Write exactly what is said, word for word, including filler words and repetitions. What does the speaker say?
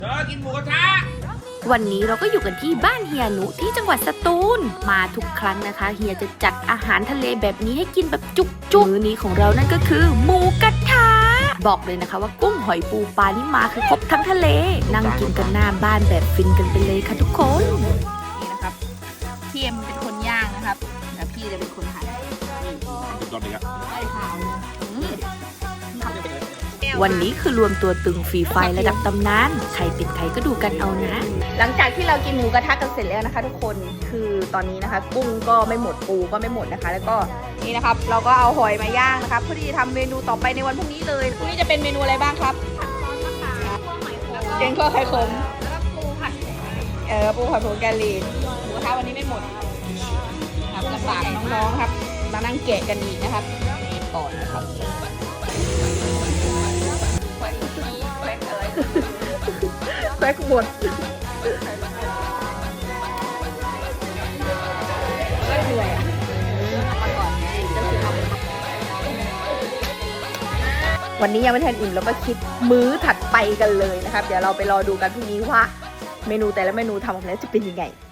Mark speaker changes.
Speaker 1: เธอกินหมูกระทะ
Speaker 2: วันนี้เราก็อยู่กันที่บ้านเฮียนุที่จังหวัดสตูลมาทุกครั้งนะคะเฮียจะจัดอาหารทะเลแบบนี้ให้กินแบบจุกๆมื้อนี้ของเรานั่นก็คือหมูกระทะบอกเลยนะคะว่ากุ้งหอยปูปลานี่มาคือครบทั้งทะเลนั่งกินกันหน้าบ้านแบบฟินกันไปเลยค่ะทุกคนนี่นะครับพี่เอ็มเป็นคนย่างนะครับแล้วพี่จะเป็นคนหั่น
Speaker 1: สุดยอดเลยครับ
Speaker 2: วันนี้คือรวมตัวตึงฟรีไฟระดับตำนานใครเป็นใครก็ดูกันเอานะหลังจากที่เรากินหมูกระทะกันเสร็จแล้วนะคะ ทุกคนคือตอนนี้นะคะ กุ้งก็ไม่หมดปูก็ไม่หมดนะคะ แล้วก็นี่นะครับเราก็เอาหอยมาย่างนะคะเพื่อที่จะทำเมนูต่อไปในวันพรุ่งนี้เลยพรุ่งนี้จะเป็นเมนูอะไรบ้างครับแกงคั่วไข่ขมแล้วก็ปูผัดเออปูผัดผงกะหรี่หมูกระทะวันนี้ไม่หมดครับลำบากน้องๆครับมานั่งแกะกันอีกนะครับก่อนนะครับแป๊กหมดก็เหนื่อยอ่ะมาก่อนไงก็คือวันนี้ยังไม่ทันอิ่มแล้วก็คิดมื้อถัดไปกันเลยนะครับเดี๋ยวเราไปรอดูกันพรุ่งนี้ว่าเมนูแต่ละเมนูทำออกมาแล้วจะเป็นยังไง